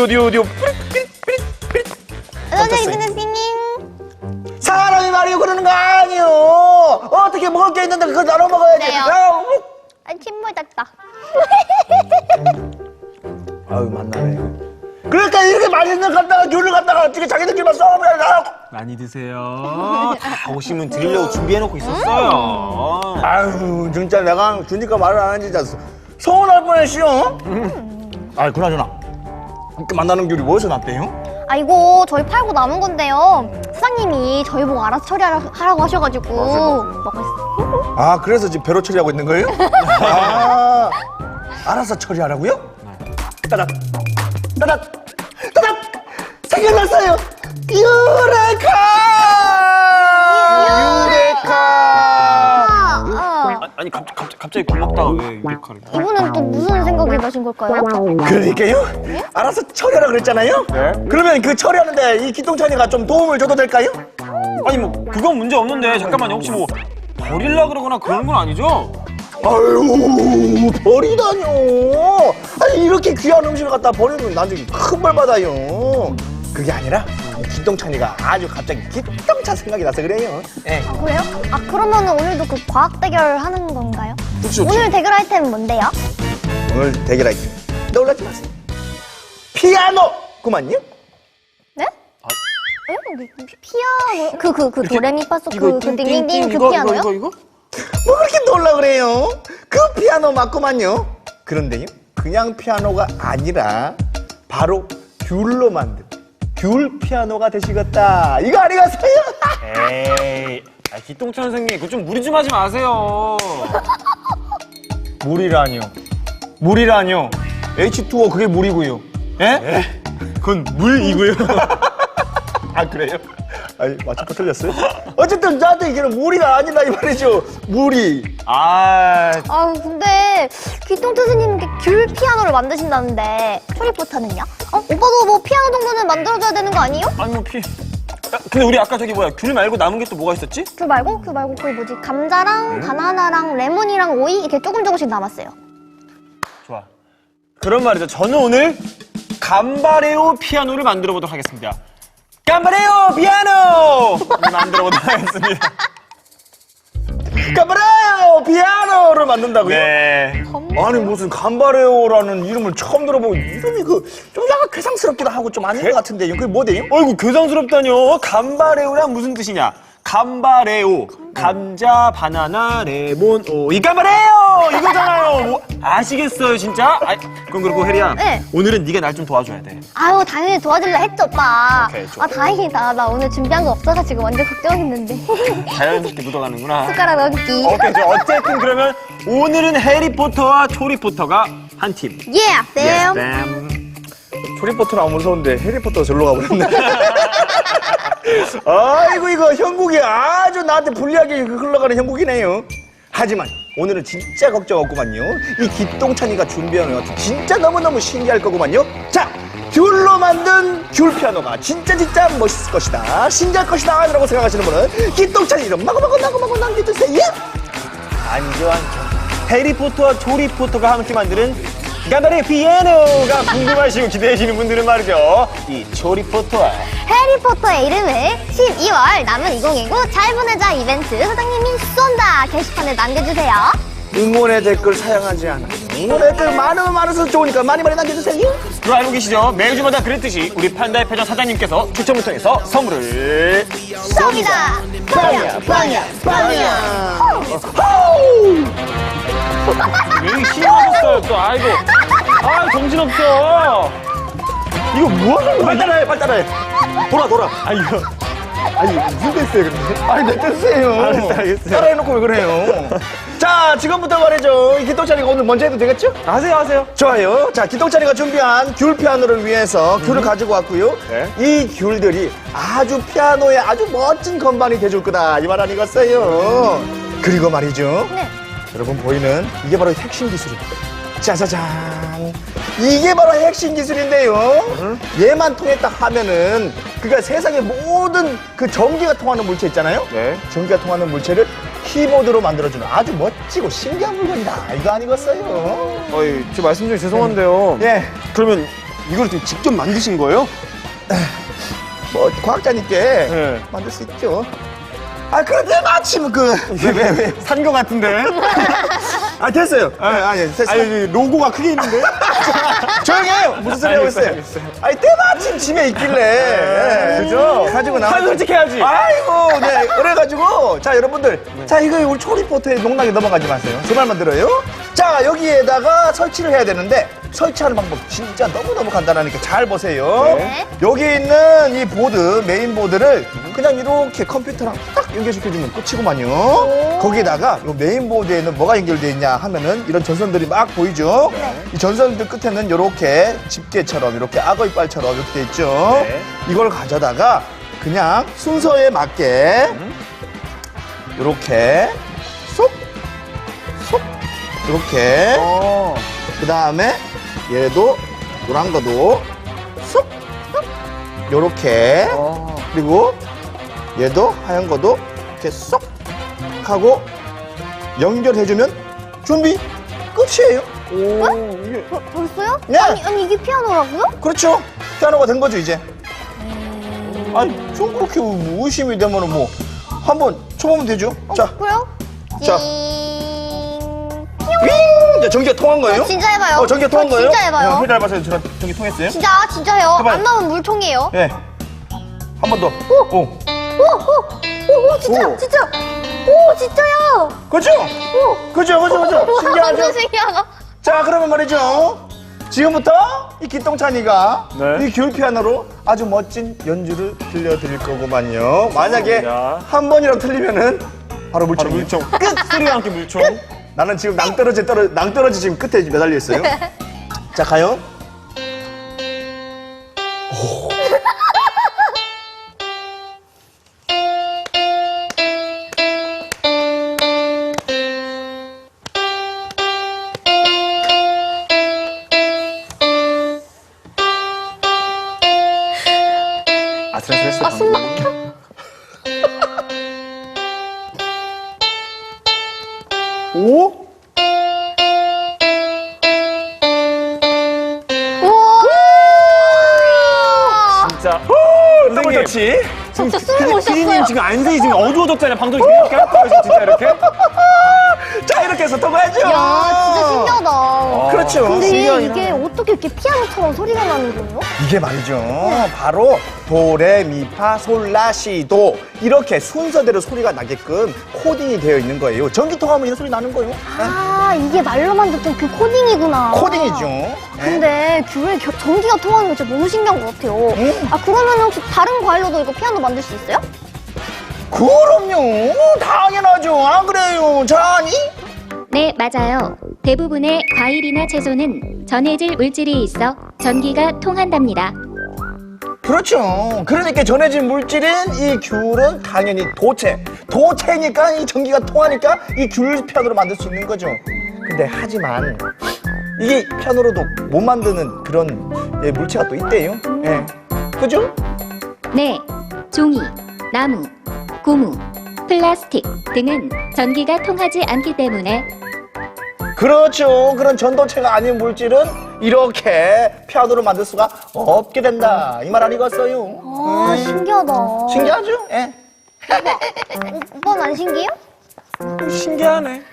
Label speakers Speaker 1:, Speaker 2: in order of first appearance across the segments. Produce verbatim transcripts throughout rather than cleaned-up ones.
Speaker 1: 어디 어디 어디.
Speaker 2: 선생님, 선생님.
Speaker 1: 사람이 말이요 그러는 거 아니요. 어떻게 먹을 게 있는데 그걸 나눠 먹어야지.
Speaker 2: 네요.
Speaker 1: 아우,
Speaker 2: 아, 침물 닦다.
Speaker 1: 아유 만나네. 그러니까 이렇게 맛있는 거 갖다가 귤을 갖다가 어떻게 자기들끼리만 싸우면 나.
Speaker 3: 많이 드세요. 다 오시면 드리려고 준비해놓고 있었어요.
Speaker 1: 아유 진짜 내가 주니까 말을 안 하지 진짜 서운할 뻔했시오. 아 그나저나 이렇게 만나는 귤이 어디서 났대요?
Speaker 2: 아, 이거 저희 팔고 남은 건데요. 사장님이 저희 보고 알아서 처리하라고 하셔가지고 먹었어요.
Speaker 1: 아 그래서 지금 배로 처리하고 있는 거예요? 아 알아서 처리하라고요? 따닥 따닥 따닥 생각났어요. 유레카 유레카.
Speaker 2: 아, 아.
Speaker 3: 아니 갑, 갑, 갑자기 고맙다가 왜 유레카를?
Speaker 2: 이분은 또 무슨 생각이 나신 걸까요?
Speaker 1: 그러니까요. 알아서 처리하라 그랬잖아요.
Speaker 3: 네.
Speaker 1: 그러면 그 처리하는데 이 기똥찬이가 좀 도움을 줘도 될까요?
Speaker 3: 아니 뭐 그건 문제 없는데 잠깐만요. 혹시 뭐 버릴라 그러거나 그런 건 아니죠?
Speaker 1: 아유 버리다뇨. 아니 이렇게 귀한 음식을 갖다 버리면 나중에 큰 벌 받아요. 그게 아니라 이 기똥찬이가 아주 갑자기 기똥찬 생각이 나서 그래요. 예.
Speaker 2: 아, 그래요? 아, 그러면 오늘도 그 과학 대결 하는 건가요?
Speaker 1: 그렇죠.
Speaker 2: 오늘 대결 아이템은 뭔데요?
Speaker 1: 오늘 대결할게요. 놀라지 마세요. 피아노 그만요?
Speaker 2: 네? 에? 피- 피아노? 그, 그, 그 도레미파솔 그, 그 띵띵띵 그
Speaker 3: 이거,
Speaker 2: 피아노요?
Speaker 3: 이거 이거 이거?
Speaker 1: 뭐 그렇게 놀라 그래요? 그 피아노 맞구만요. 그런데요, 그냥 피아노가 아니라 바로 귤로 만든 귤 피아노가 되시겠다. 이거 아니겠어요?
Speaker 3: 에이, 아, 기똥찬 선생님 그거 좀 무리 좀 하지 마세요.
Speaker 1: 물이라뇨. 물이라뇨. 에이치 투 오 그게 물이고요. 예?
Speaker 3: 그건 물이고요.
Speaker 1: 아 그래요? 아니 맞춰서 틀렸어요? 어쨌든 저한테 이게는 물이가 아니다 이 말이죠. 물이.
Speaker 3: 아,
Speaker 2: 아, 근데 귀똥 스님께 귤 피아노를 만드신다는데 초리포타는요? 어? 오빠도 뭐 피아노 정도는 만들어줘야 되는 거 아니에요?
Speaker 3: 아니 뭐 피. 야, 근데 우리 아까 저기 뭐야 귤 말고 남은 게 또 뭐가 있었지?
Speaker 2: 귤 말고? 귤 말고 그 뭐지? 감자랑 바나나랑 레몬이랑 오이 이렇게 조금 조금씩 남았어요.
Speaker 3: 좋아. 그런 말이죠. 저는 오늘 감바레오 피아노를 만들어 보도록 하겠습니다. 감바레오 피아노! 만들어 보도록 하겠습니다.
Speaker 1: 감바레오 피아노를 만든다고요?
Speaker 3: 네.
Speaker 1: 아니 무슨 감바레오라는 이름을 처음 들어보고 이름이 그 좀 약간 괴상스럽기도 하고 좀 아닌 것 같은데요. 그게 뭐대요?
Speaker 3: 어이구 괴상스럽다뇨. 감바레오란 무슨 뜻이냐? 감바레오, 감자, 바나나, 레몬, 오이. 감바레오 이거잖아요. 뭐 아시겠어요 진짜? 아, 그럼 그렇고 혜리야.
Speaker 2: 네.
Speaker 3: 오늘은 네가 날 좀 도와줘야 돼.
Speaker 2: 아유, 당연히 도와줄라 했죠, 오빠.
Speaker 3: 오케이, 좋아.
Speaker 2: 아, 다행이다. 나 오늘 준비한 거 없어가지고 완전 걱정했는데.
Speaker 3: 자연스럽게 묻어가는구나.
Speaker 2: 숟가락 얹기.
Speaker 3: 오케이, 좋아. 어쨌든 그러면 오늘은 해리포터와 초리포터가 한 팀.
Speaker 2: Yeah, 쌤.
Speaker 3: 쌤.
Speaker 1: 초리포터는 안 무서운데 해리포터 절로 가버렸네. 아이고 이거 형국이 아주 나한테 불리하게 흘러가는 형국이네요. 하지만 오늘은 진짜 걱정 없구만요. 이 기똥찬이가 준비하는 것도 진짜 너무너무 신기할 거구만요. 자, 귤로 만든 귤 피아노가 진짜 진짜 멋있을 것이다, 신기할 것이다 라고 생각하시는 분은 기똥찬이 이름 마구마구 마구마구 남겨주세요.
Speaker 3: 안죠, 안죠. 해리포터와 조리포터가 함께 만드는 간발의 피아노가 궁금하시고 기대하시는 분들은 말이죠, 이 조리포터와
Speaker 2: 해리포터의 이름을 십이월 남은 이천이십구 잘 보내자 이벤트 사장님이 쏜다 게시판에 남겨주세요.
Speaker 1: 응원의 댓글 사용하지 않아. 응원의 댓글 많으면 많아서 좋으니까 많이 많이 남겨주세요.
Speaker 3: 그거 알고 계시죠? 매주마다 그랬듯이 우리 판다의 표정 사장님께서 추첨을 통해서 선물을
Speaker 2: 쏩니다. 빵야 빵야 빵야.
Speaker 3: 왜 신나셨어요 또? 아이고, 아 정신없어. 이거 뭐 하는 거야?
Speaker 1: 빨리 따라해, 빨리 따라해. 돌아, 돌아.
Speaker 3: 아 이거
Speaker 1: 아니, 무슨 댄스예요, 근데? 아니, 내 댄스예요.
Speaker 3: 알았어요, 알겠어요.
Speaker 1: 따라해놓고 왜 그래요? 자, 지금부터 말이죠. 이 기똥차리가 오늘 먼저 해도 되겠죠?
Speaker 3: 하세요, 하세요.
Speaker 1: 좋아요. 자, 기똥차리가 준비한 귤 피아노를 위해서 귤을 가지고 왔고요.
Speaker 3: 네.
Speaker 1: 이 귤들이 아주 피아노에 아주 멋진 건반이 돼줄 거다, 이 말 아니겠어요? 그리고 말이죠.
Speaker 2: 네.
Speaker 1: 여러분 보이는 이게 바로 핵심 기술입니다. 짜자잔. 이게 바로 핵심 기술인데요. 얘만 통했다 하면은 그러니까 세상의 모든 그 전기가 통하는 물체 있잖아요.
Speaker 3: 네.
Speaker 1: 전기가 통하는 물체를 키보드로 만들어주는 아주 멋지고 신기한 물건이다. 이거 아니겠어요?
Speaker 3: 어이, 제 말씀 중에 죄송한데요.
Speaker 1: 예.
Speaker 3: 그러면 이걸 좀 직접 만드신 거예요?
Speaker 1: 뭐 과학자님께
Speaker 3: 네.
Speaker 1: 만들 수 있죠. 아, 그런데 마침 그 왜 왜 왜?
Speaker 3: 산 거 같은데?
Speaker 1: 아, 됐어요. 아, 아니, 됐어요.
Speaker 3: 아니, 로고가 크게 있는데?
Speaker 1: 조용히 해요! 무슨 소리 하고
Speaker 3: 알겠어요,
Speaker 1: 있어요?
Speaker 3: 알겠어요.
Speaker 1: 아니, 때마침 집에 있길래. 네,
Speaker 3: 그죠?
Speaker 1: 가지고 나와.
Speaker 3: 한 솔직해야지.
Speaker 1: 아이고, 네. 그래가지고, 자, 여러분들. 자, 이거 우리 초리포트에 농락에 넘어가지 마세요. 제 말만 들어요. 자, 여기에다가 설치를 해야 되는데, 설치하는 방법 진짜 너무너무 간단하니까 잘 보세요.
Speaker 2: 네.
Speaker 1: 여기 있는 이 보드, 메인 보드를 그냥 이렇게 컴퓨터랑 딱 연결시켜주면 끝이구만요. 거기에다가 이 메인 보드에는 뭐가 연결되어 있냐 하면은 이런 전선들이 막 보이죠? 이 전선들 끝에는 이렇게 집게처럼 이렇게 악어 이빨처럼 이렇게 돼 있죠?
Speaker 3: 네.
Speaker 1: 이걸 가져다가 그냥 순서에 맞게 이렇게 쏙, 쏙, 이렇게
Speaker 3: 어.
Speaker 1: 그 다음에 얘도 노란 거도 쏙, 쏙, 요렇게
Speaker 3: 어.
Speaker 1: 그리고 얘도 하얀 거도 이렇게 쏙 하고 연결해주면 준비 끝이에요.
Speaker 3: 오, 이게.
Speaker 2: 벌, 벌써요?
Speaker 1: 네.
Speaker 2: 아니, 아니 이게 피아노라고요?
Speaker 1: 그렇죠. 피아노가 된 거죠 이제. 아니 좀 그렇게 뭐 의심이 되면은 뭐 한번 쳐보면 되죠. 자,
Speaker 2: 그래요?
Speaker 1: 자.
Speaker 2: 띵.
Speaker 1: 윙! 이제 전기가 통한 거예요?
Speaker 2: 진짜 해봐요.
Speaker 1: 어, 전기가 통한
Speaker 2: 저
Speaker 1: 거예요?
Speaker 2: 진짜 해봐요.
Speaker 1: 네, 닮아서 저랑 전기 통했어요?
Speaker 2: 진짜 진짜 해요.
Speaker 1: 해봐요.
Speaker 2: 안 나오면 물통이에요.
Speaker 1: 예. 한 번 더.
Speaker 2: 오!
Speaker 1: 오.
Speaker 2: 오, 오, 오, 진짜,
Speaker 1: 오.
Speaker 2: 진짜. 오, 진짜요.
Speaker 1: 그죠?
Speaker 2: 오.
Speaker 1: 그죠, 그죠, 그죠.
Speaker 2: 와,
Speaker 1: 신기하죠?
Speaker 2: 완전 신기하다.
Speaker 1: 자, 그러면 말이죠. 지금부터 이 기똥찬이가
Speaker 3: 네.
Speaker 1: 이 귤 피아노로 아주 멋진 연주를 들려드릴 거구만요. 만약에
Speaker 3: 좋습니다.
Speaker 1: 한 번이라도 틀리면은 바로 물총.
Speaker 3: 바로 물총. 끝! 소리와 함께 물총.
Speaker 1: 나는 지금 낭떠러지 떨어, 낭떠러지 지금 끝에 매달려 있어요. 자, 가요.
Speaker 3: 아슬아슬했어.
Speaker 2: 아, 숨 막혀.
Speaker 1: 오?
Speaker 2: 우와.
Speaker 3: 진짜.
Speaker 1: 더블 터치.
Speaker 2: 진짜 숨을 못
Speaker 3: 피디님
Speaker 2: 쉬었어요.
Speaker 3: 지금 안색이 지금 어두워졌잖아요. 방송이 이렇게 할 거예요. 진짜 이렇게.
Speaker 1: 자, 이렇게 해서 통과하죠.
Speaker 2: 야, 진짜 신기하다.
Speaker 1: 그렇죠.
Speaker 2: 근데
Speaker 1: 신기하긴
Speaker 2: 이게
Speaker 1: 하네.
Speaker 2: 어떻게 이렇게 피아노처럼 소리가 나는 거예요?
Speaker 1: 이게 말이죠. 바로 도레미파솔라시도 이렇게 순서대로 소리가 나게끔 코딩이 되어 있는 거예요. 전기 통하면 이런 소리 나는 거예요.
Speaker 2: 아, 이게 말로만 듣던 그 코딩이구나.
Speaker 1: 코딩이죠. 네.
Speaker 2: 근데 귤에 겨- 전기가 통하는 거 진짜 너무 신기한 것 같아요.
Speaker 1: 음.
Speaker 2: 아, 그러면 혹시 다른 과일로도 이거 피아노 만들 수 있어요?
Speaker 1: 그럼요. 당연하죠. 안 그래요, 자니?
Speaker 4: 네, 맞아요. 대부분의 과일이나 채소는 전해질 물질이 있어 전기가 통한답니다.
Speaker 1: 그렇죠. 그러니까 전해진 물질인 이 귤은 당연히 도체. 도체니까 이 전기가 통하니까 이 귤 피아노를 만들 수 있는 거죠. 근데 하지만 이게 피아노로도 못 만드는 그런 예, 물체가 또 있대요. 예. 그죠?
Speaker 4: 네, 종이, 나무, 고무, 플라스틱 등은 전기가 통하지 않기 때문에
Speaker 1: 그렇죠. 그런 전도체가 아닌 물질은 이렇게 피아노를 만들 수가 없게 된다. 이 말 아니겠어요?
Speaker 2: 아, 신기하다.
Speaker 1: 신기하죠? 예.
Speaker 2: 오, 오빠는 안 신기해요?
Speaker 3: 신기하네.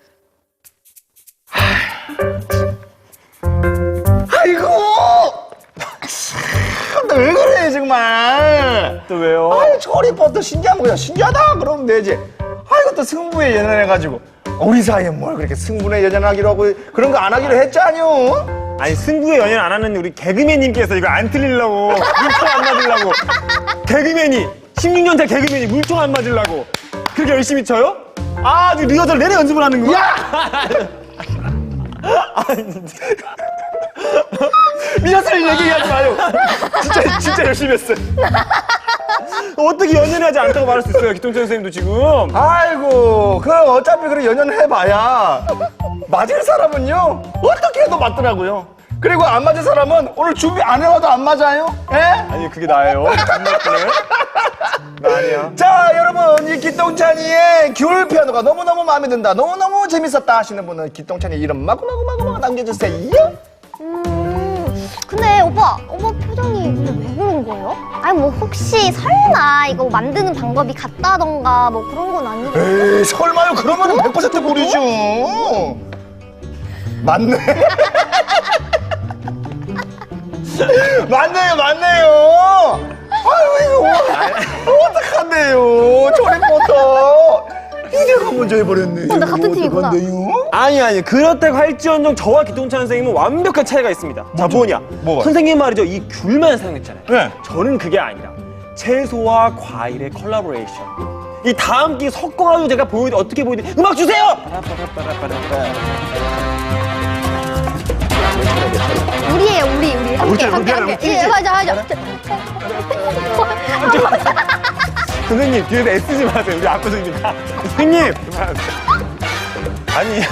Speaker 1: 아이고! 참, 너 왜 그래, 정말.
Speaker 3: 또 왜요?
Speaker 1: 아이, 조리법도 신기하면 그냥 신기하다 그러면 되지. 아이고, 또 승부에 연연해가지고. 우리 사이에 뭘 그렇게 승부에 연연하기로 하고 그런 거 안 하기로 했잖요.
Speaker 3: 아니 승부에 연연 안 하는 우리 개그맨님께서 이거 안 틀리려고 물총 안 맞으려고 개그맨이 십육 년째 개그맨이 물총 안 맞으려고 그렇게 열심히 쳐요? 아, 저 리허설 내내 연습을 하는 거야? 리허설 얘기하지 마요. 진짜 진짜 열심히 했어요. 어떻게 연연하지 않다고 말할 수 있어요, 기통찬 선생님도 지금.
Speaker 1: 아이고, 그 어차피 그래 연연해봐야 맞을 사람은요 어떻게 해도 맞더라고요. 그리고 안 맞을 사람은 오늘 준비 안 해와도 안 맞아요. 예?
Speaker 3: 아니 그게 나예요. 안 맞네. 나 아니야.
Speaker 1: 자, 여러분, 이 기똥찬이의 귤 피아노가 너무너무 마음에 든다, 너무너무 재밌었다 하시는 분은 기똥찬이 이름 마구마구마구 남겨주세요.
Speaker 2: 음, 근데 오빠, 오빠 표정이 근데 왜 그런 거예요? 아니 뭐 혹시 설마 이거 만드는 방법이 같다던가 뭐 그런 건 아니겠어요?
Speaker 1: 에이, 설마요? 그러면 백 퍼센트 모르죠. 맞네. 맞네요, 맞네요. 아유, 이거 어떡한데요? 조립부터 이제가 먼저 해버렸네.
Speaker 2: 어, 나 같은 팀이구나.
Speaker 1: 어떡한데요?
Speaker 3: 아니 아니 그렇다고 할지언정 저와 기통찬 선생님은 완벽한 차이가 있습니다. 자, 뭐냐?
Speaker 1: 뭐가?
Speaker 3: 선생님 말이죠, 이 귤만 사용했잖아요.
Speaker 1: 네.
Speaker 3: 저는 그게 아니라 채소와 과일의 콜라보레이션. 이 다 함께 섞어가지고 제가 보여 어떻게 보이든 음악 주세요.
Speaker 2: 우리예요, 우리, 우리. 함께,
Speaker 3: 우리,
Speaker 2: 함께,
Speaker 3: 우리,
Speaker 2: 함께.
Speaker 3: 우리,
Speaker 2: 예, 맞아, 맞아.
Speaker 3: 선생님 뒤에서 애쓰지 마세요. 우리 압구정이니까. 선생님. 아니.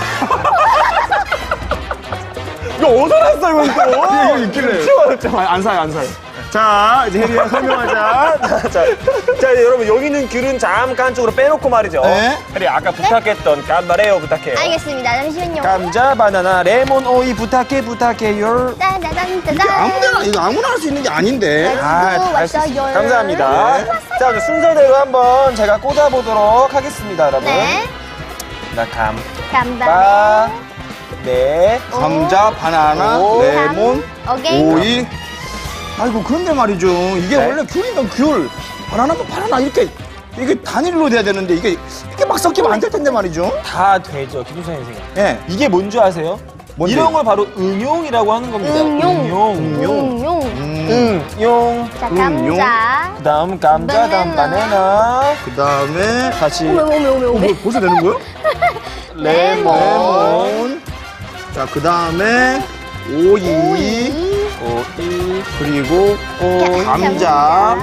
Speaker 3: 이거 어디서 났어 이건 또.
Speaker 1: 이거 있길래.
Speaker 3: 치워졌죠. 안 사요, 안 사요. 자, 이제 혜리야 설명하자. 자, 자, 자, 이제 여러분 여기 있는 귤은 잠깐 한쪽으로 빼놓고 말이죠.
Speaker 1: 네.
Speaker 3: 혜리 아까 부탁했던 깜바레오 부탁해요.
Speaker 2: 알겠습니다. 잠시만요.
Speaker 3: 감자, 바나나, 레몬, 오이 부탁해 부탁해요.
Speaker 2: 짜자잔, 짜잔.
Speaker 1: 아무데나, 이거 아무나 할 수 있는 게 아닌데.
Speaker 3: 아, 잘수
Speaker 2: 왔어요.
Speaker 3: 감사합니다. 자, 이제 순서대로 한번 제가 꽂아보도록 하겠습니다, 여러분.
Speaker 2: 네.
Speaker 3: 나 감,
Speaker 2: 감자.
Speaker 3: 바, 네.
Speaker 1: 감자, 바나나,
Speaker 3: 오.
Speaker 1: 레몬,
Speaker 2: 오케이.
Speaker 1: 오이. 아이고, 그런데 말이죠. 이게
Speaker 3: 네.
Speaker 1: 원래 귤이면 귤, 바나나면 바나나 이렇게 이게 단일로 돼야 되는데 이게 이렇게 막 섞이면 안 될 텐데 말이죠.
Speaker 3: 다 되죠, 김수찬 선생님.
Speaker 1: 예.
Speaker 3: 이게 뭔지 아세요?
Speaker 1: 뭔데요?
Speaker 3: 이런 걸 바로 응용이라고 하는 겁니다.
Speaker 2: 응용.
Speaker 3: 응용.
Speaker 2: 응용.
Speaker 1: 음.
Speaker 3: 응용.
Speaker 2: 자,
Speaker 1: 응용.
Speaker 2: 감자.
Speaker 3: 그 다음 감자, 다음
Speaker 2: 바나나.
Speaker 3: 바나나.
Speaker 1: 그 다음에
Speaker 3: 다시
Speaker 2: 오메, 오메, 오메, 오메.
Speaker 1: 뭐 벌써 되는 거야?
Speaker 3: 레몬.
Speaker 1: 레몬. 자, 그 다음에 오이.
Speaker 2: 오이.
Speaker 3: 오이.
Speaker 1: 그리고
Speaker 3: 오이.
Speaker 1: 감자.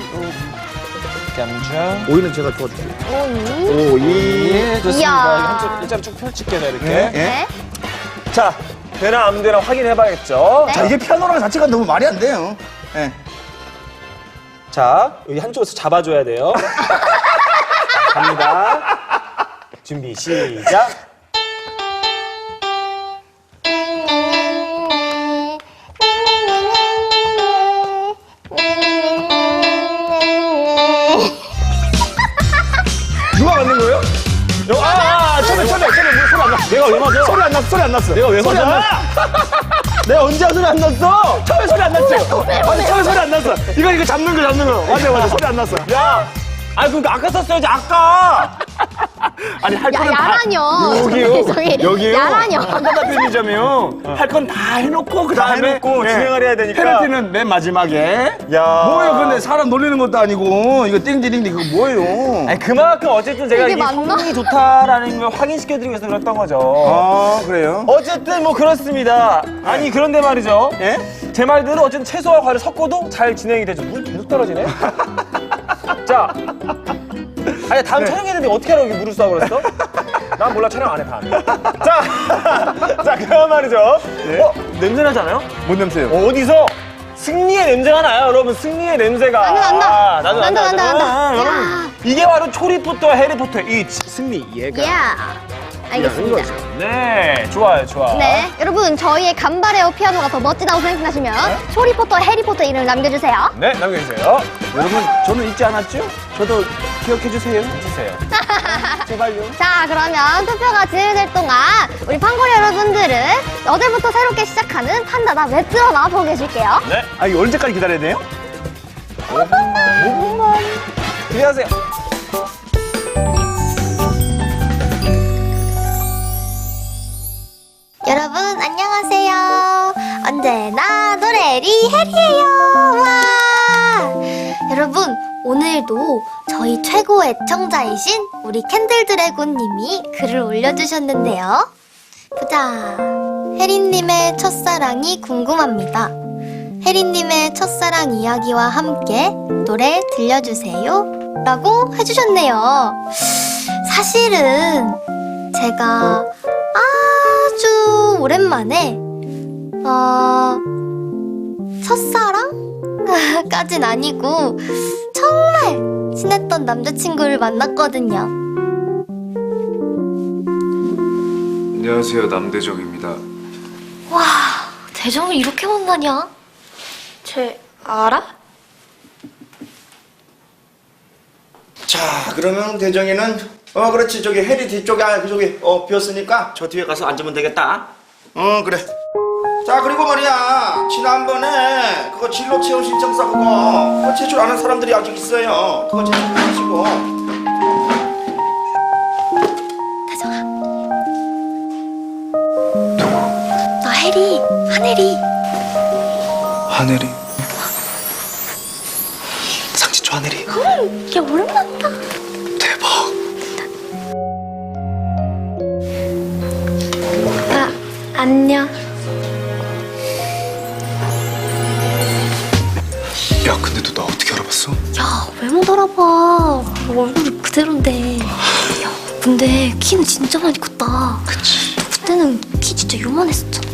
Speaker 3: 감자.
Speaker 1: 오이는 제가 도와줄게요.
Speaker 2: 오이.
Speaker 1: 오이.
Speaker 3: 예, 좋습니다.
Speaker 2: 이야.
Speaker 3: 이거 한쪽 일자로 쭉 펼칠게요, 이렇게.
Speaker 1: 네.
Speaker 2: 네.
Speaker 3: 자, 되나 안 되나 확인해봐야겠죠.
Speaker 2: 네.
Speaker 1: 자, 이게 피아노랑 자체가 너무 말이 안 돼요. 예.
Speaker 3: 자, 여기 한쪽에서 잡아줘야 돼요. 갑니다. 준비, 시작.
Speaker 1: 누가 만든 거예요?
Speaker 3: 아, 아, 처음에, 처음에, 처음에 소리 안 났어. 내가 왜 맞아?
Speaker 1: 소리 안 났어, 소리 안 났어.
Speaker 3: 내가 왜
Speaker 1: 소리 안
Speaker 3: 맞아? 내가 언제 소리 안 났어? 처음에 소리 안 났죠? 아니, 처음에 소리 안 났어. 이거, 이거 잡는 거, 잡는 거. 맞아, 맞아. 소리 안 났어. 야! 아니, 그러니까 아까 썼어야지, 아까! 아니, 할
Speaker 2: 야,
Speaker 3: 거는
Speaker 2: 야라뇨.
Speaker 3: 다. 여기요.
Speaker 2: 저기,
Speaker 3: 여기요.
Speaker 2: 야라뇨.
Speaker 3: 한가다 편의점이요. 할 건 다 해놓고, 그 다음에 해놓고 진행을 해야 되니까.
Speaker 1: 페널티는 맨 마지막에.
Speaker 3: 야.
Speaker 1: 뭐예요? 근데 사람 놀리는 것도 아니고 이거 띵디링디 그거 뭐예요?
Speaker 3: 아니, 그만큼 어쨌든 제가
Speaker 2: 이게
Speaker 3: 이게
Speaker 2: 맞나?
Speaker 3: 성능이 좋다라는 걸 확인시켜드리기 위해서 그랬던 거죠.
Speaker 1: 아, 그래요?
Speaker 3: 어쨌든 뭐 그렇습니다. 아니 그런데 말이죠.
Speaker 1: 예?
Speaker 3: 제 말대로 어쨌든 채소와 과를 섞어도 잘 진행이 되죠. 물 계속 떨어지네. 자, 아니 다음 촬영했는데 어떻게 하라고 물을 쏴 그랬어? 난 몰라, 촬영 안 해 다음에. 자, 자 그럼 말이죠.
Speaker 1: 네.
Speaker 3: 어, 냄새 나지 않아요?
Speaker 1: 뭔 냄새요?
Speaker 3: 어디서 승리의 냄새가 나요, 여러분. 승리의 냄새가.
Speaker 2: 난다, 난다.
Speaker 3: 아, 나도
Speaker 2: 난다, 난다, 난다.
Speaker 3: 아,
Speaker 2: 야.
Speaker 3: 여러분, 이게 바로 초리포터와 해리포터의 이 승리 얘가.
Speaker 2: 야. 알겠습니다.
Speaker 3: 네, 좋아요, 좋아.
Speaker 2: 네, 여러분 저희의 간바레오 피아노가 더 멋지다고 생각하시면 초리포터, 해리포터 이름을 남겨주세요.
Speaker 3: 네, 남겨주세요.
Speaker 1: 여러분, 저는 잊지 않았죠? 저도 기억해주세요.
Speaker 3: 해주세요.
Speaker 1: 제발요.
Speaker 2: 자, 그러면 투표가 진행될 동안 우리 판고리 여러분들은 어제부터 새롭게 시작하는 판다다 웹드라마 보고 계실게요.
Speaker 3: 네.
Speaker 1: 아, 이거 언제까지 기다려야 돼요? 오 분만. 오 분만.
Speaker 3: 기대하세요.
Speaker 2: 여러분 안녕하세요. 언제나 노래리 해리예요. 와! 여러분 오늘도 저희 최고 애청자이신 우리 캔들드래곤님이 글을 올려주셨는데요. 보자. 해리님의 첫사랑이 궁금합니다. 해리님의 첫사랑 이야기와 함께 노래 들려주세요. 라고 해주셨네요. 사실은 제가 아주 오랜만에 어... 첫사랑까진 아니고 정말 친했던 남자친구를 만났거든요.
Speaker 5: 안녕하세요, 남대정입니다.
Speaker 2: 와, 대정을 이렇게 만나냐? 쟤 알아?
Speaker 1: 자, 그러면 대정이는 어 그렇지 저기 해리 뒤쪽에 아 저기 어 비었으니까 저 뒤에 가서 앉으면 되겠다. 어 그래. 자 그리고 말이야 지난번에 그거 진로 체험 신청서 그거 그거 제출 안 한 사람들이 아직 있어요. 그거 제출하시고.
Speaker 2: 대정아. 나 해리, 하늘이.
Speaker 5: 하늘이. 상진초 하늘이.
Speaker 2: 응, 야 오랜만이다.
Speaker 5: 대박.
Speaker 2: 아, 안녕.
Speaker 5: 야, 근데 너 나 어떻게 알아봤어?
Speaker 2: 야, 왜 못 알아봐. 얼굴이 그대로인데. 야, 근데 키는 진짜 많이 컸다.
Speaker 5: 그치.
Speaker 2: 그때는 키 진짜 요만했었잖아.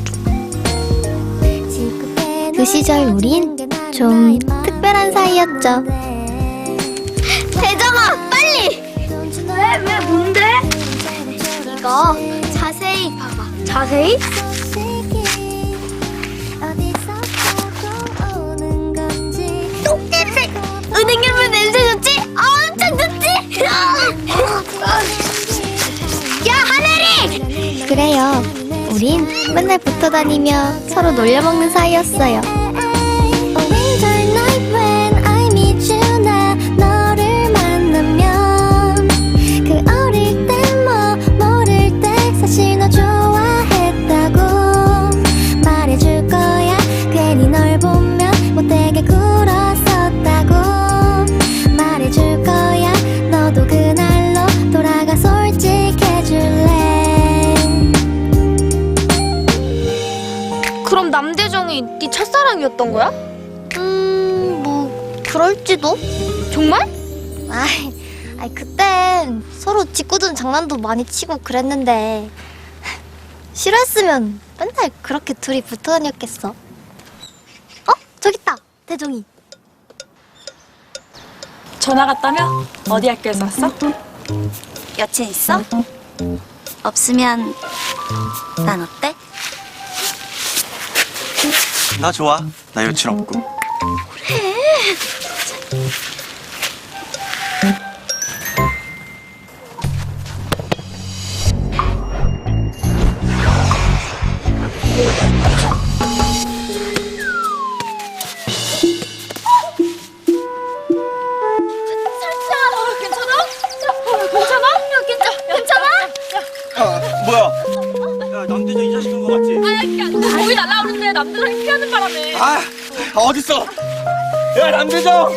Speaker 2: 그 시절 우린 좀 특별한 사이였죠. 대정아, 빨리! 왜, 왜, 뭔데? 이거 자세히 봐봐. 자세히? 똥냄새! 은행열매 냄새 좋지? 엄청 좋지? 야, 하늘이! 그래요. 우린 맨날 붙어 다니며 서로 놀려먹는 사이였어요. 너를 만나면 그 어릴 때 뭐 모를 때 사실 너 좋아했다고 말해줄 거야. 괜히 널 보면 못되게 굴었었다고 말해줄 거야. 너도 그날로 돌아가 솔직해줄래.
Speaker 6: 그럼 남대정이 네 첫사랑이었던 거야?
Speaker 2: 음, 뭐 그럴지도.
Speaker 6: 정말?
Speaker 2: 아이, 아이 그땐 서로 짓궂은 장난도 많이 치고 그랬는데 싫어했으면 맨날 그렇게 둘이 붙어 다녔겠어. 어? 저기 있다. 대종이.
Speaker 6: 전화 갔다며? 어디 학교에서 왔어?
Speaker 7: 여친 있어? 없으면 난 어때?
Speaker 8: 나 좋아. 나 여친 없고.
Speaker 3: 아, 뭐야? 야, 남대정 이 자식인 거 같지?
Speaker 6: 거기 날라오는데 남대정이 피하는 바람에.
Speaker 3: 아, 어딨어? 야, 남대정!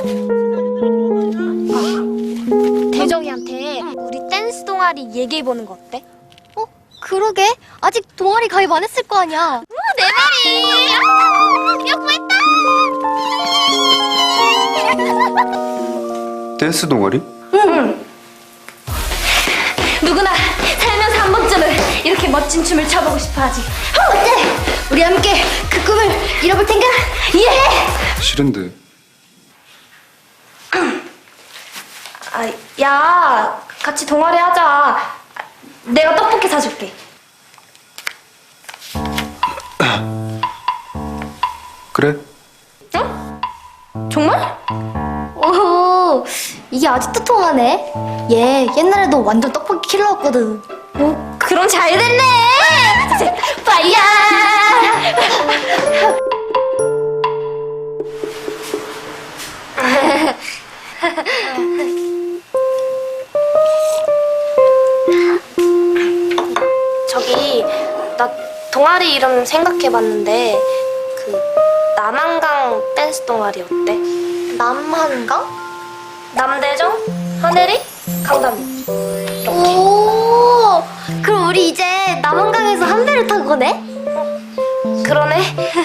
Speaker 6: 대정이한테 우리 댄스 동아리 얘기해보는 거 어때?
Speaker 2: 어? 그러게. 아직 동아리 가입 안 했을 거 아니야. 내 말이. 뽀뽀했다.
Speaker 5: 댄스 동아리?
Speaker 6: 누구나 살면서 한 번쯤은 이렇게 멋진 춤을 춰보고 싶어하지.
Speaker 2: 어때? 우리 함께 그 꿈을 이뤄볼 텐가? 예!
Speaker 5: 싫은데.
Speaker 6: 아, 야, 같이 동아리 하자. 내가 떡볶이 사줄게.
Speaker 5: 그래?
Speaker 6: 정말?
Speaker 2: 오, 이게 아직도 통하네. 얘 옛날에도 완전 떡볶이 킬러였거든.
Speaker 6: 오, 그럼 잘 됐네. 파이야! 저기 나 동아리 이름 생각해봤는데 그 남한강 댄스 동아리 어때?
Speaker 2: 남한강?
Speaker 6: 남대정, 하늘이, 강담이.
Speaker 2: 오, 그럼 우리 이제 남한강에서 한 배를 탄 거네?
Speaker 6: 그러네.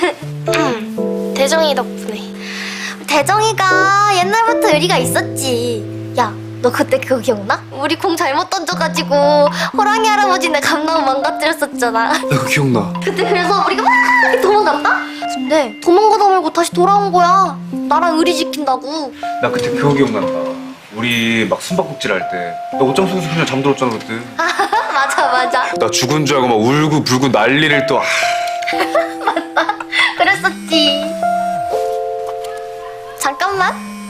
Speaker 6: 대정이 덕분에.
Speaker 2: 대정이가 옛날부터 의리가 있었지. 야, 너 그때 그거 기억나? 우리 공 잘못 던져가지고 호랑이 할아버지네 감나무 망가뜨렸었잖아.
Speaker 5: 나 그거 기억나.
Speaker 2: 그때 그래서 우리가 막 도망갔다? 근데 도망가다 말고 다시 돌아온 거야. 나랑 의리 지킨다고.
Speaker 5: 나 그때 그거 기억난다. 우리 막 숨바꼭질 할 때. 나 옷장 속에서 그냥 잠들었잖아 그때.
Speaker 2: 맞아, 맞아.
Speaker 5: 나 죽은 줄 알고 막 울고 불고 난리를 또. 아,
Speaker 2: 그랬었지. 잠깐만.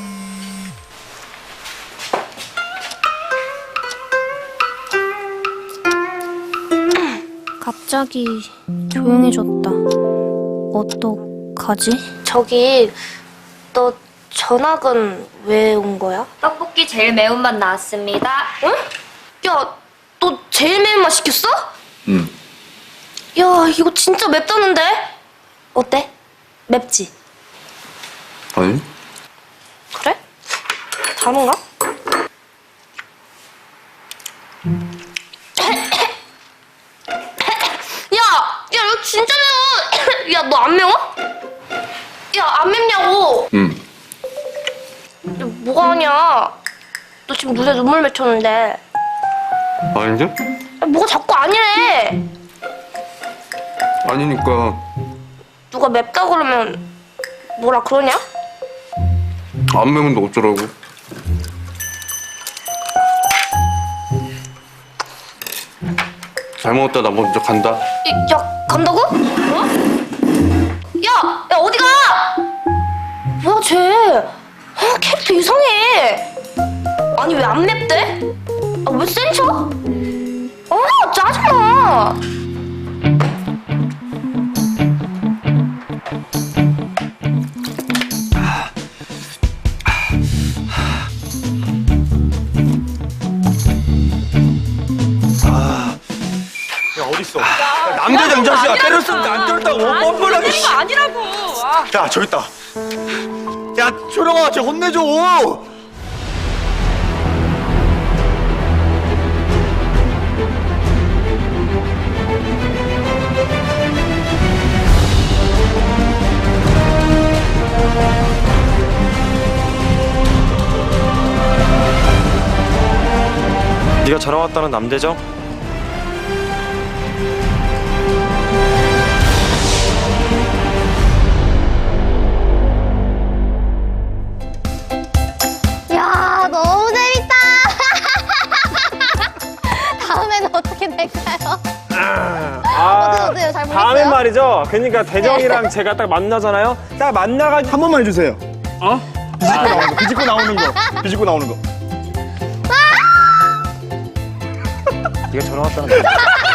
Speaker 6: 갑자기 조용해졌다. 어떡하지? 저기 너 전학은 왜 온 거야?
Speaker 4: 떡볶이 제일 매운맛 나왔습니다.
Speaker 6: 응? 야, 너 제일 매운맛 시켰어?
Speaker 5: 응.
Speaker 6: 야, 이거 진짜 맵다는데? 어때? 맵지?
Speaker 5: 아니?
Speaker 6: 그래? 다른가? 야! 야, 이거 진짜 매워! 야, 너 안 매워? 야, 안 맵냐고!
Speaker 5: 응.
Speaker 6: 야, 뭐가 아니야? 너 지금 눈에 눈물 맺혔는데.
Speaker 5: 아닌데?
Speaker 6: 야, 뭐가 자꾸 아니래!
Speaker 5: 아니니까.
Speaker 6: 누가 맵다 그러면 뭐라 그러냐?
Speaker 5: 안 매운데 어쩌라고. 잘 먹었다. 나 먼저 간다.
Speaker 6: 야, 야 간다고? 어? 야! 야, 어디 가! 뭐야, 쟤? 아, 캐릭터 이상해! 아니, 왜 안 맵대? 아, 왜 센 척? 아, 짜증나!
Speaker 3: 야, 어딨어? 야, 남대장 자식아, 때렸으면 안 때렸다고. 뻔뻔하게.
Speaker 9: 이거 아니라고. 아.
Speaker 1: 야, 저기 있다. 야, 초령아, 쟤 혼내줘.
Speaker 3: 네가 전화 왔다는 남대정?
Speaker 2: 야, 너무 재밌다. 다음에는 어떻게 될까요? 어때요, 어때요? 잘 모르겠어요?
Speaker 3: 다음엔 말이죠. 그러니까 대정이랑 제가 딱 만나잖아요. 딱 만나가지고
Speaker 1: 한 번만 해주세요.
Speaker 3: 어?
Speaker 1: 비집고 나오는 거, 비집고 나오는 거. 비집고 나오는 거.
Speaker 3: 네가 전화 왔다는 거.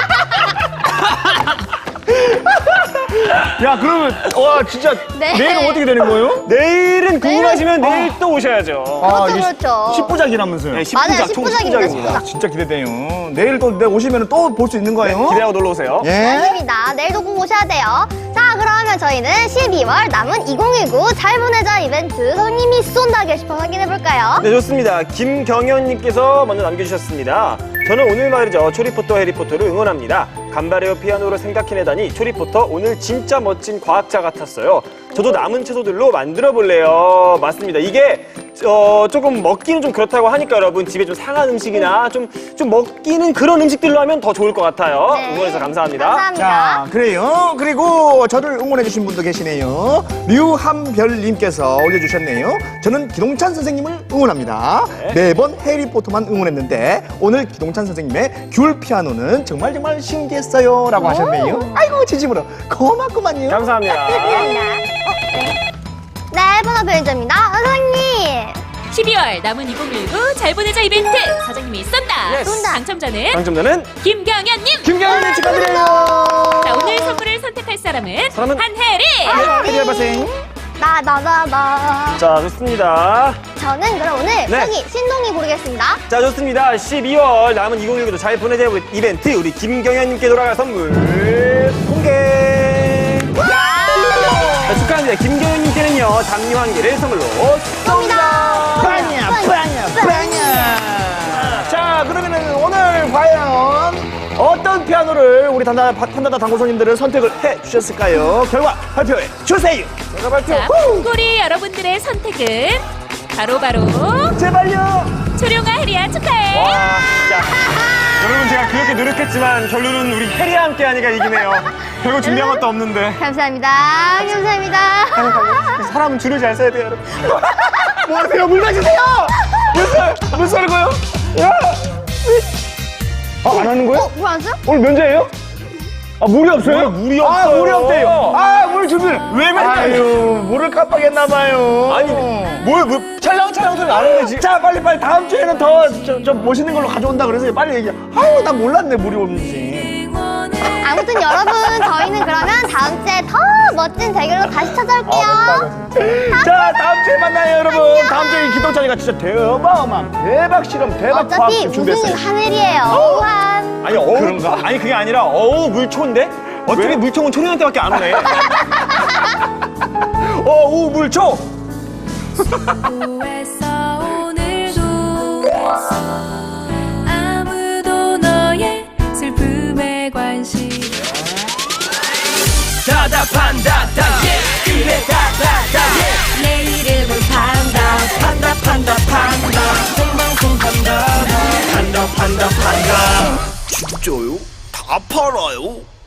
Speaker 3: 야, 그러면 와 진짜
Speaker 2: 네.
Speaker 3: 내일은 어떻게 되는 거예요? 내일은 궁금하시면 내일 또 오셔야죠.
Speaker 1: 아,
Speaker 2: 그렇죠,
Speaker 1: 이게
Speaker 2: 그렇죠.
Speaker 1: 십부작이라면서요.
Speaker 3: 네,
Speaker 2: 맞아요,
Speaker 3: 십부작, 총
Speaker 2: 십부작입니다,
Speaker 3: 십부작입니다.
Speaker 2: 십부작.
Speaker 1: 진짜 기대돼요. 내일 또 내가 오시면 또 볼 수 있는 거예요?
Speaker 3: 기대하고 놀러 오세요.
Speaker 1: 예.
Speaker 2: 맞습니다. 내일도 꼭 오셔야 돼요. 자, 그러면 저희는 십이월 남은 이천십구 잘 보내자 이벤트 손님이 쏜다 게시판 확인해볼까요?
Speaker 3: 네, 좋습니다. 김경현님께서 먼저 남겨주셨습니다. 저는 오늘 말이죠. 초리포터 해리포터를 응원합니다. 간바레오 피아노를 생각해내다니 초리포터 오늘 진짜 멋진 과학자 같았어요. 저도 남은 채소들로 만들어 볼래요. 맞습니다. 이게 어, 조금 먹기는 좀 그렇다고 하니까 여러분 집에 좀 상한 음식이나 좀, 좀 먹기는 그런 음식들로 하면 더 좋을 것 같아요.
Speaker 2: 네.
Speaker 3: 응원해서 감사합니다.
Speaker 2: 감사합니다.
Speaker 1: 자, 그래요. 그리고 저를 응원해주신 분도 계시네요. 류한별님께서 올려주셨네요. 저는 기동찬 선생님을 응원합니다.
Speaker 3: 네.
Speaker 1: 매번 해리포터만 응원했는데 오늘 기동찬 선생님의 귤 피아노는 정말 정말 신기했어요. 라고 하셨네요. 아이고, 진심으로 고맙구만요.
Speaker 3: 감사합니다.
Speaker 2: 감사합니다. 어, 네. 네, 번호 편의점입니다. 선생님.
Speaker 10: 십이월 남은 이천십구 잘 보내자 이벤트 사장님이 쏜다.
Speaker 3: 예스.
Speaker 10: 당첨자는
Speaker 3: 당첨자는
Speaker 10: 김경현님.
Speaker 1: 김경현님 축하드려요.
Speaker 10: 자, 오늘 선물을 선택할 사람은,
Speaker 3: 사람은?
Speaker 10: 한혜리.
Speaker 1: 해리 알바생.
Speaker 2: 나, 나, 나, 나.
Speaker 3: 자, 좋습니다.
Speaker 2: 저는 그럼 오늘
Speaker 3: 네.
Speaker 2: 여기 신동이 고르겠습니다.
Speaker 3: 자, 좋습니다. 십이월 남은 이천십구도 잘 보내자 이벤트 우리 김경현님께 돌아갈 선물 공개. 자, 축하합니다. 김경현님께는요 담요 한 개를 선물로
Speaker 2: 쏩니다.
Speaker 1: 빵이야, 빵이야, 빵이야. 자, 그러면은 오늘 과연 어떤 피아노를 우리 단다, 판다다 당구손님들은 선택을 해 주셨을까요? 결과 발표해 주세요. 결과 발표.
Speaker 10: 자,
Speaker 1: 후!
Speaker 10: 우리 여러분들의 선택은 바로바로
Speaker 1: 제발요.
Speaker 10: 초룡아 혜리야 축하해.
Speaker 3: 와, 진짜. 여러분 제가 그렇게 노력했지만 결론은 우리 해리와 함께 하니까 이기네요. 별거 준비한 것도 없는데.
Speaker 2: 감사합니다. 감사합니다.
Speaker 3: 사람은 줄을 잘 서야 돼요, 여러분.
Speaker 1: 뭐 하세요? 물 마시세요.
Speaker 3: 물, 물 썰고요? 야! 아, 안 하는 거예요?
Speaker 2: 어, 뭐안 써?
Speaker 3: 오늘 면제예요? 아, 물이 없어요? 물이 없어요.
Speaker 1: 아, 물이 없대요. 아, 물 준비를.
Speaker 3: 왜 맨날.
Speaker 1: 아유, 물을 깜빡했나봐요.
Speaker 3: 아니, 뭘, 뭘, 찰랑찰랑 소리 나는데 지금.
Speaker 1: 자, 빨리 빨리 다음 주에는 더 좀 멋있는 걸로 가져온다 그래서 빨리 얘기해. 아유, 난 몰랐네, 물이 없는지.
Speaker 2: 아무튼 여러분, 저희는 그러면 다음 주에 더 멋진 대결로 다시 찾아올게요.
Speaker 1: 자, 다음 주에 만나요, 여러분. 다음 주에 기동찬이가 진짜 대박만 대박 실험, 대박
Speaker 2: 어차피
Speaker 1: 과학을
Speaker 2: 우승은
Speaker 1: 준비했어요.
Speaker 2: 하늘이에요. 우한.
Speaker 3: 아니, 어우. 그런가? 아니, 그게 아니라, 어우, 물초인데? 어떻게 물총은 초령한테밖에 안 오네?
Speaker 1: 어, 우 물초.
Speaker 9: 오늘도 아무도 너의 슬픔에 관심 다다판다다 그래 다다다 내 이름은 판다 판다 판다 판다 생방송 판다 판다 판다 판다
Speaker 8: 진짜요? 다 팔아요?